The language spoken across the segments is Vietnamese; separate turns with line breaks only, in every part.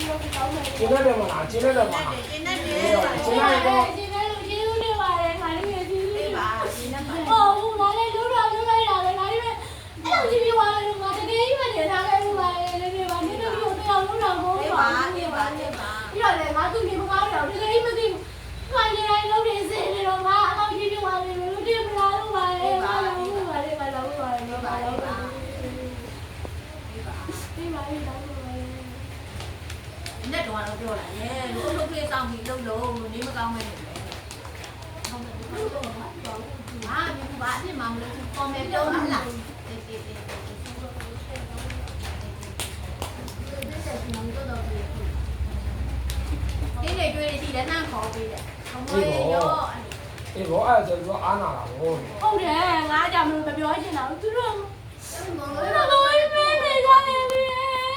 Chị nói được mà nào, chị nói được mà. Chị nói được.
Nhất đồ đâu rồi nhé, lúc kia xong thì đâu đâu nếu mà cao mày không nhưng bạn thì mà con em đâu lắm là cái này chơi thì đã năng khó vì đấy không ơi nhớ
Ibu ai rồi có ăn nào rồi.
Không thể ngã chồng luôn phải nói chuyện nào chứ không. Nó nói mẹ này ra em đi.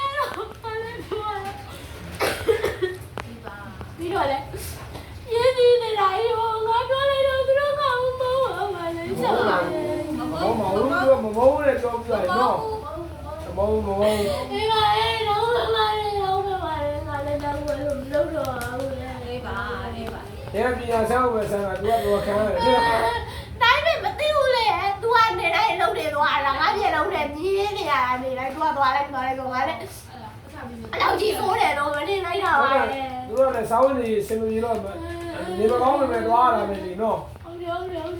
Đi rồi đấy. Gì này lại rồi, ngã có lấy đâu tôi nó không bố mà lấy sợ.
Bố này cho người nó. Bố.
Đi mà em đâu mà ngã lên đâu rồi.
đi bà
Thế bây giờ sao về sao mà đua khá rồi.
Đấy mày mà tiêu lệ, đua này đây đâu để đua là ngã về đâu để gì này à, này đây đua đây đấy. Đâu chỉ số để rồi mà đi lấy đâu à.
Đua này 6 thì xem gì rồi mà. Nếu mà có mình đua là mình gì nó.
Không được.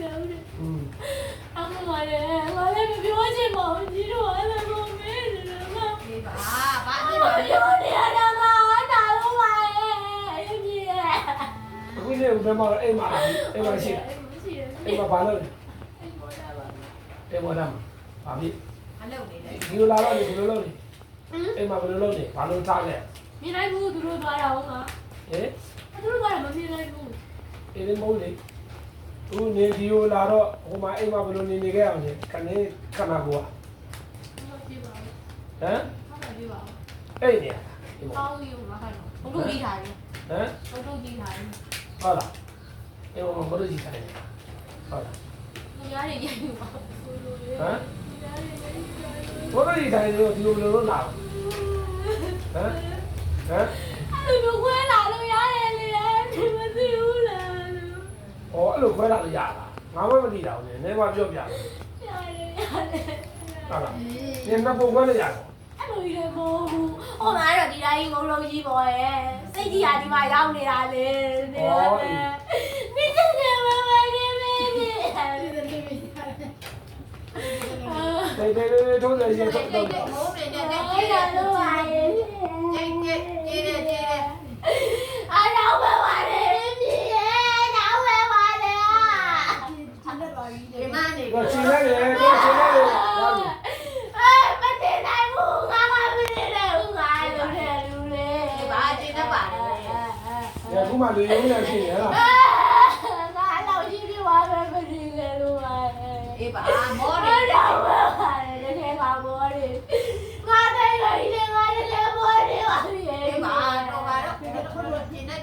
Anh ngồi đây mày biết gì mà chỉ đua là không biết được không.
đi bà đi
Ôi trời đi đâu mà nào luôn mày. Em gì à.
Cái gì cũng mà em mà xịt. Em mà phá lên. Em mà đâm. Phá đi.
anh lâu này đấy
Nhiều la rồi, nhiều lâu đi. Em mà lâu đi, phá lên sao này.
Mi này bu tụi nó đòi đâu hả?
Ê.
Tụi nó đòi mà mi này bu.
Em mau đi. Tu ne nhiều la rồi, hôm mà em mà bên này cái gì, cái này cái nào qua. Hả?
Không phải đi vào.
Ê nè.
Không yêu mà phải không được đi thải.
Hả?
Không được đi thải.
Thôi là. Em mà có được gì thải. Thôi là.
Giá này vậy mà.
Hả? Có cái gì thầy rồi thì nó nào? Hả? Hả?
Anh đừng quên lại đâu giá này thì mà tiêu là.
Ồ, lúc quay lại là giả là. Ngáo mới đi đâu nhỉ? Nếu mà chưa giả. Đó là. Nhưng nó không có là giả.
Anh ơi đây cô. Hôm nay rồi đi đây ngủ lâu gì rồi. Xây gì à đi mày đâu đi ra lên.
Ồ.
Đi chơi nhà mà mày đi.
Đây, thôi rồi gì thôi.
bố này
Ôi trời ơi.
chị đây
Ở đâu mà qua đây gì vậy? Đâu mà qua đây à?
cái ma này
Rồi chị nói đi, chị nói đi.
Ê, bắt tiền này buông ra mà mình đi đâu ngoài luôn nè luôn nè.
bà chị nó bảo
Dạ cũng mà đi uống là gì nữa là.
Ngã đâu chứ đi qua bên mình đi về luôn rồi.
đi bà bố
Ở
đi
đâu mà qua đây để nghe bà mua đi. Qua đây rồi đi qua đây để mua đi qua đi.
đi bà đâu bà đó chị nói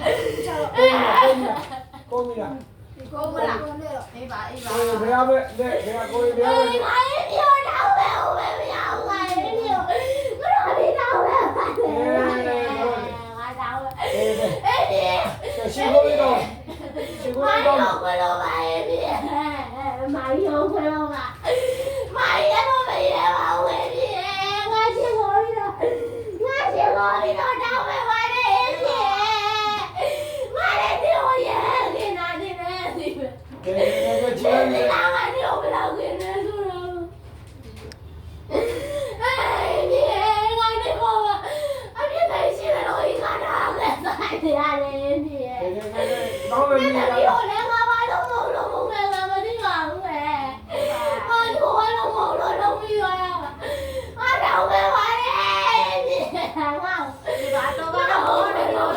Cô mi là.
cô mới làm đi bà
Cô bé bé, cô bé bé.
Ôi, ngã đi vô đâu về không về nhau ngoài đi vô. Nó đi đâu về. Ngã đâu về. Ê đi.
Chị cô đi đâu? Chị cô đi đâu?
Mày không có đâu mà em đi. Mày không có đâu mà. Mày đã có bị em không em đi. Ngã chị ngồi đi đâu. Ngã chị ngồi đi đâu đâu về ngoài đây em đi. Ngoài đây đi ngồi về. Đi nào đi nè đi về.
Cái chị
Đi đi nào mà đi không biết đâu kia nè xuống đâu. Ê đi ngã đi không mà. Anh biết thầy xin là lỗi khả năng. Tại thì ai đây em đi.
đó là
Biết
gì
là
là
đi hồi nãy qua ba lúc một ngày mà đi vào không về. Ôi cô ơi lúc một rồi đâu đi rồi à. Ở đâu về ngoài đi. Không không.
đi bà đâu bà đâu đi đâu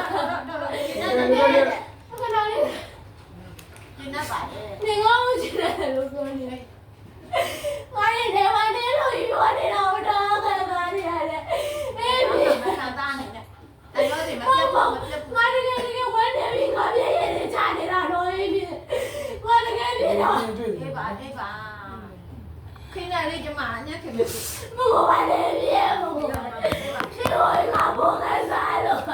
chị nó bảo
Đi ngon chị này lúc rồi đi. Ngoài đi để ngoài đi rồi đi đâu đó cái mà đi này. Em đi.
làm ta này nè anh nói thì mà
Ngoài
tiếp
bụng. Ngoài đi cái quán để bị ngồi đi để trả đi ra rồi em đi. Ngoài đi cái đi đâu.
đi bà khi nào đi cho mà nhé thì mình
Một ngoài đi em một ngoài. Đi rồi ngả buông cái sai rồi.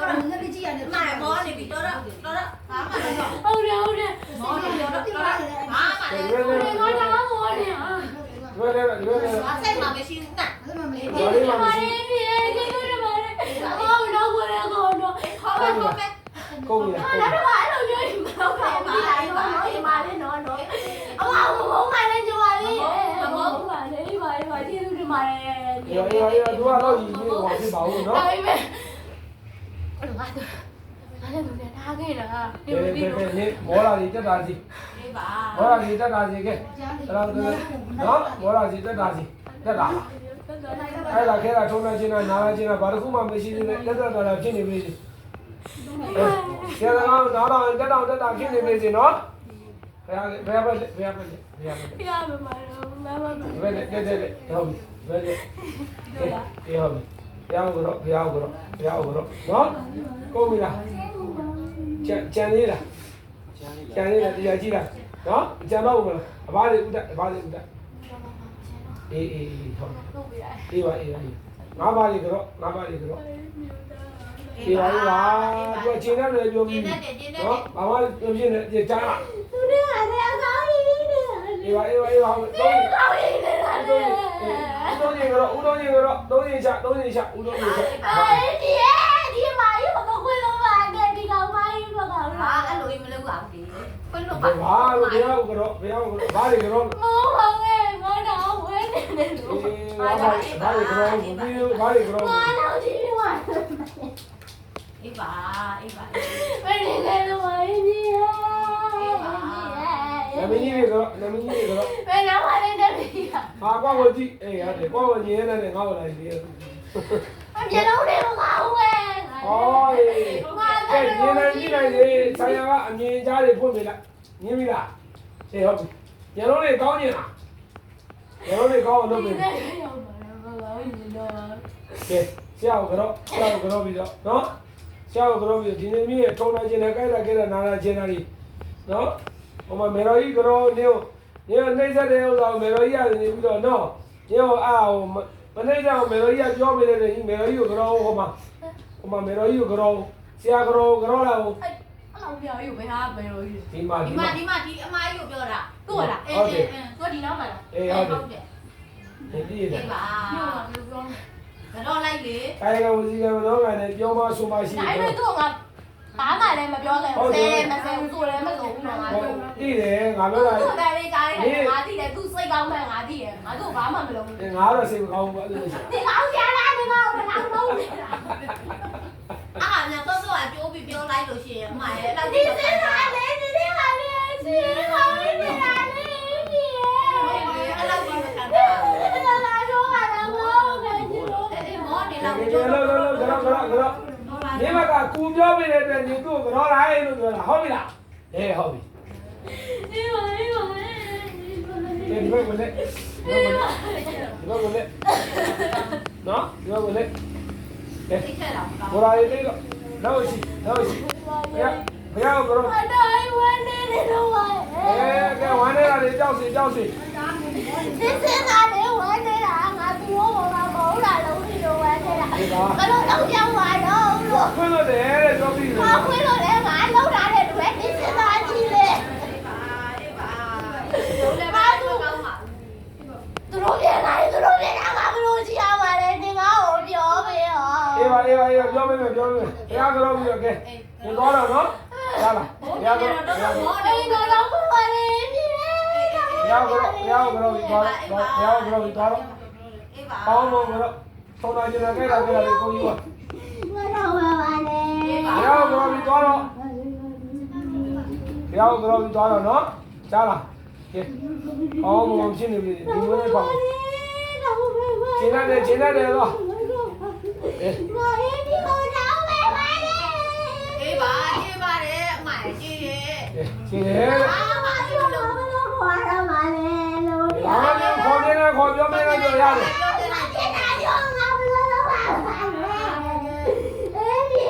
တော့ငါတိကြည့်ရတယ်မာမောနေပြီတော့ဘာမှမလုပ်
ဟုတ်တယ်
မောနေတော့ဘာမှမလုပ်
ငါတော့မောနေဟာ
လွယ်တယ်လွယ်တယ်
ဘာစိတ်မှမရှိဘူးနာ
ဒီမှာနေပြီကျေးဇူးတင်ပါတယ်အော်တော့ကိုလည်းကိုတော့
ခေါ်ပဲခေါ်ပဲ
ကုန်ပြီလား
နောက်တော့အဲ့လိုပြောရင်မဟုတ်ပါဘူးဒီတိုင်းတော့ဒီမှာလည်းနော်အမဘုံမှလည်းကြွားလေးဘုံမှလည်းပါကျေးဇူးတင်ပါတယ်
ရောသူကတော့ရည်ကြီးဟောဖြစ်ပါဘူးနော်
ဒါပေမဲ့ငါလည်းသူနဲ့ထားခဲ့တာ
နေမောလာကြီးတက်တာစီ
ဒီပါ
မောလာကြီးတက်တာစီကဲအဲ့ဒါနော်မောလာကြီးတက်တာစီတက်တာအဲ့ဒါခဲတာထုံးနေချင်းနာလာချင်းဘာတစ်ခုမှမရှိသေးတဲ့တက်တာဖြစ်နေပြီဆရာကောင်နားတော့တက်တာဖြစ်နေပြီစီနော်ဘယ်ပဲ
ပြရမှာမမ
ဘယ်နဲ့ဟုတ်ပြီဘယ်နဲ့ဟုတ်ပြီဘယ်အောင်ကတော့နော်ကုန်ပြီလားကြံလေးလားတရားကြည့်လားနော်ကြံတော့ဘူးမလားအဘလေးဥဒအေးဟုတ်အေးပါငါးပါးလေးကတော့အေးပါသူကချင်းနဲ့လည်းပြောပြီးနော်ဘာမှပြောပြနေကြားလား
သူနဲ့ကလည်းအကောင်းကြီးနေတယ်
အေးပါတော့
ကောင်းကြီးနေတာလေ
ဦးတော်ကြီးကတော့3ရင်ချဦးတော်ကြီးချ
ဒီမာရီဘာကိုလုံးပါတဲ့ဒီကောင်မာရီဘာက
ဟာအဲ့လိုမလုပ်ပါဘူးခွင့်လို့ပါ
ဘာလို့ဘယ်အောင်ကတော့ဘာတွေကတော့
မောဟောင်းရဲ့ငါတော့ဝဲနေတယ်လို့
ဘာတွေကတော့ဘူးဘာတွေကတော့
ငါတော့ဒီမှာ
အေးပါ
ဘယ်နေလဲလို့မာရီကြီးရဲ့
နမင်းကြီးတွေကတော့
ဘယ်တော့မှလည်းတက်ပြီ
ဟာကွာကိုကြည့်အေးရတယ်ကွာကိုရင်းနေငါ့ကိုလိုက်ပြီး
အပြလုံးတွေမကောင်းဝဲ
ဟောကဲရင်းနေကြည့်လိုက်လေဆိုင်ရာကအမြင်ကြားတွေဖွင့်ပြလိုက်မြင်ပြီလားအေးဟုတ်ပြီရလုံးတွေကောင်းနေတာရလုံးတွေကောင်းအောင်လုပ်ပြီကဲဆရာကတော့ပြီးတော့နော်ဆရာကတော့ပြီးဒီနေ့မြည့်ထုံနိုင်ခြင်းနဲ့ကြိုက်တာကြဲတာနားလာခြင်းတွေနော်ဟိုမှာမေတော်ကြီးကတော့နေနှိမ့်ဆက်တဲ့ဥစ္စာကိုမေတော်ကြီးကနေပြီးတော့နော်ညဟိုမနှိမ့်တော့မေတော်ကြီးကပြောပြတယ်မေတော်ကြီးကိုကတော့ဟိုမှာမေတော်ကြီးကိုကတော့ဆရာကတော့လာဟို
အဲ့လောက်ပြောယူဘယ်ဟာဘယ်လိုယူ
ဒီမှာ
ဒီအမကြီးကိုပြောတာ
ကိုလားကိုဒီနောက်မှာလား
အေးဟုတ်တယ်
ဒီရ
အေးပါ
ပြောပြော
ကတော့လိုက်လေ
အဲကဝစီကမတော့ကနေပြောမဆိုမရှိ
ဒါပေမဲ့သူကငါဘာမှလည်းမပြောခဲ့ဘူးဆဲမဆဲဘူးသူလည်းမလုပ်ဘူးနော်ငါတို့
သိတယ်ငါပြောတာ
သူ့တယ်လေးကြားရတယ်ငါသိတယ်သူစိတ်ကောင်းမှငါသိတယ်ငါတို့ဘာမှမလုပ်ဘူး
ငါတော့စိတ်မကောင်းဘူးအဲ့လိုရှိ
ဒီကောင်ကြလားဒီကောင်တော့လုံးနေတာ
အားများတော့အကျိုးပြီးပြောလိုက်လို့ရှိရင်အမရဲ့လောက်
ဒီစင်လာလေဒီဟာလေရှင်ကောင်းနေတာလေဒီ
အဲ့လောက်ကြီးမခံတာ
လာတော့ပါတော့ခဲ့ကြည့်လို့
အေးမောနေလောက်
တယ်ကတော့ဒီမှာကကူပြောပြတဲ့အတွက်ညီသူ့ကိုကတော့လာလို့ပြောတာဟုတ်ပြီလားအေးဟုတ်ပြီ
ဒီပါ
ဒီဘက်ကိုလက်နော်ဒီဘက်ကိုလက်
သိခဲ့တာမကောင်း
ဘောရာလေးတော့နောက်ရှိဘုရားကတော့
အတိုင်းဝန်းနေတယ်တော့
ကဲဝမ်းနေတာလေကြောက်စီ
ဒီစင်လာလေဝန်းနေတာငါသူ့ဘောကမဟုတ်လားလုံးဒီလိုဝန်းနေတာဘယ်လိုတော့ကြောက်ပါတော့လို့
ခွင့်လို့တယ်တဲ့ကြောက်စီ
။ဘာခွင့်လို့လဲငါလောက်တာတဲ့တွေ့ဒီစင်သားကြီးလေ
အေးပါတို့လည်းပါတော့ကောင်းပါ
။သူတို့ပြန်လာရင်သူတို့ပြန်လာငါဘလို့ကြည့်ရမှာလဲဒီငါ့ကိုပြောပေးရော။
အေးပါပြောပေးမယ်ဘုရားကတော့ပြီးတော့ကဲဒီတော့တော့နော်ရလားဘုရားကတော့
မော
အေး
နေ
တော့တော့ပါလေဒီလေ
ဘုရားကတော့ပြီးတော့တော့အေးပါ
အေးပါ
ပေါင်းလို့ကတော့ထုံနာကျင်ခဲ့တာလေကိုကြီးက
ငါတော့ပါလေ
အေး
ဘ
ပါ
ုရားကတော့ပြီးတော့နော်ကြားလားကဲပေါင်းလို့ရှင်းနေပြီဒီလိုနဲ့ပေါင်းရှင်းရတယ်တော့အေး
ငါရေးဒီကိုတော့ပဲပါလေ
အေးပါအေးပါတယ်အမရဲ့ကြည့်ရဲ့
ရှင်းတယ်
အာမပြောလို့မလို့ခေါ်ရမှာလေလို့
ဘာမှမခေါ်နေနဲ့ခေါ်ပြောမနေတော့ရတယ်
ပြောတယ်
အကျဉ်းသားရောငါဘလို့တော့ပါလေဒီ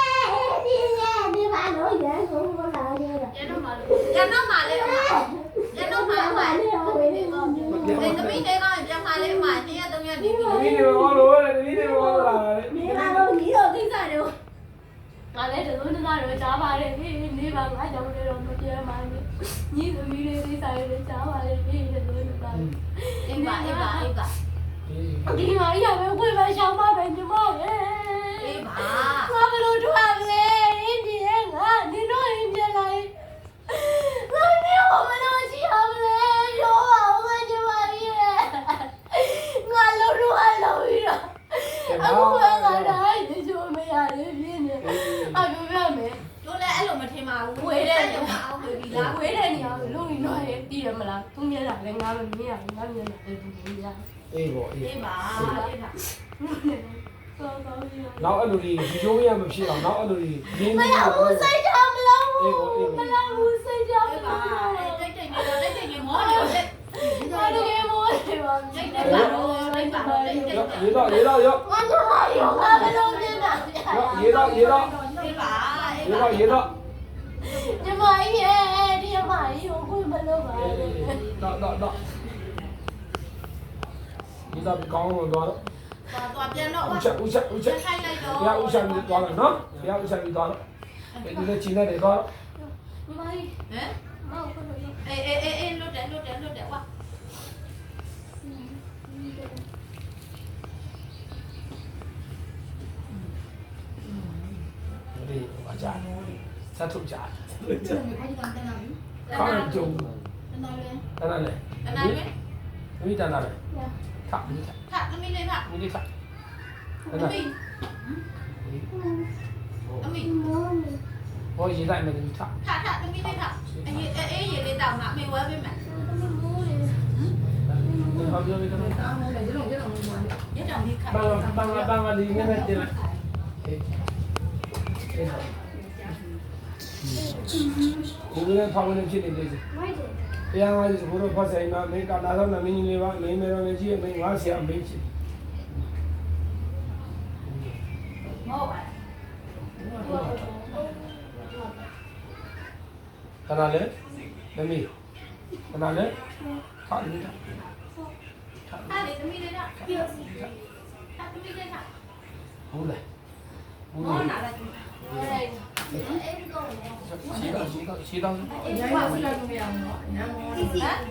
ဘာလို့ရန်ကုန်လာရတာ
ရတော့မှလေအမရတော့မှအမဒီသမီးတွေကပြန်มาလေအမတင်းရသုံးရဒီပြီ
ဒီနေ့ဘောလို့လေဒီနေ့ဘောလာတယ်
ဒီဘာလို့ဒီတော့ကိစ္စတွေ
ဟ
ငါလည်းတစိုးတသားတော့ကြားပါတယ်နေပါငါကြောင့်လည်းတော့မပြောမှန်းညီသမီးလေးလေးဆိုင်လေးကြားပါတယ်တစိုးတသား
အေးပါအေးပါအေးပါ
ဒီမှာရပဲဝေးပဲရှောင်းပါပဲညီမရဲ့
အေးပါ
ငါဘယ်လိုထွက်လဲဒီရဲ့ငါနင်တို့အိမ်ပြန်လိုက်ငါနေဘာမလို့ရှိအောင်လဲရောပါဦးငါညီမရဲ့ငါလုံးတော့လုံးပြီးတော့အခုကငါတိုင်းနေချိုးမရတယ်ပြင်းနေအပြောပြမယ်
တို့လည်းအဲ့လိုမထင်ပါဘူး
ဝေးတဲ့
ညအောင်ပြီလား
ဝေးတဲ့နေရာကိုလုံးပြီးတော့တည်ရမလားသူမျက်နှာလည်းငါမမြင်ရဘူးငါမျက်နှာလည်းသူမြင်ရ
အေးပေါ့အေး
အေးပါအေးပါ
နောက်အဲ့လိုကြီးဒီချိုးရမဖြစ်အောင်နောက်အဲ့လိုကြီးရင်း
မ
နေ
ရဘူးစိတ်ချမလို့
အေးပေါ့အေး
မ
ပေါ့
ရဘူးစိတ်ချမ
အေးပါ
လို့
တိတ်တိတ်နေတော့တိတ်တိတ်နေမောနေတော့တိတ်
ဘာတကယ်မိုးနေပါ
တိတ်နေပါတော့တိတ်ပါတော့တိတ်တိတ်
ရေတော့ရေတော့ရော
ငါတို့ရောငါဘယ်လိုမြင်တာ
ရေတော့ရေတော့
အေးပါအေး
ရေ
ပါ
တော့ရေတော့
ညီမရဲ့ဒီမကြီးကိုဘယ်လိုပါလဲ
တော့ဒီတော့ကောင်းလို့တော့
သွားပြန်တော့
ဦးချက်
ခိုင်းလိုက်တော့
ဘုရားဦးချက်ပြီးသွားတော့နော်ဘုရားဦးချက်ပြီးသွားတော့ဒီလိုချင်းနေတော့
ညီမကြီး
ဟမ်
မောက်ကိုလို့
အေးလွတ်တယ်ဝါ
ဒီအကြဆက်ထုတ်ကြ
အဲ့ဒီကောင်တန်းလာပြီ
ကောင်းကြုံ
တန်းလာလဲ
အဲ့ဒါလေ
တန်းလာလဲ
မိတန်တာလေထမိထ
ထသမီးလေးထ
မိထ
သမီးသမီး
ဘောရေးလိုက်မယ်မိထ
ထသမီးလေးထအေးရေလေးတောင်းမှာအမေဝဲပေးမယ်
ဘာပြောလဲတော့
ရတောင်ဒီခါ
ဘန်လီနေနဲ့တင်လိုက်ဒီလိုဖောင်းနေဖြစ်နေတယ်တရားဝါကြီးဘိုးတော်ဖတ်ဆိုင်မှာမင်းကလာတော့မင်းကြီးလေးပါမင်းမေတော်ကြီးမင်းငါဆရာမင်းချစ်
မောပါ
ခဏလေသမီးခဏလေခါလေး
ထလေသမီးလေးထသမီးလေးထ
ဟုတ်လားဟုတ်
မော
လား
နာလာ
ရှိတော့
အေးဘာလို့လဲမရဘူးနော်ညာမောဟမ်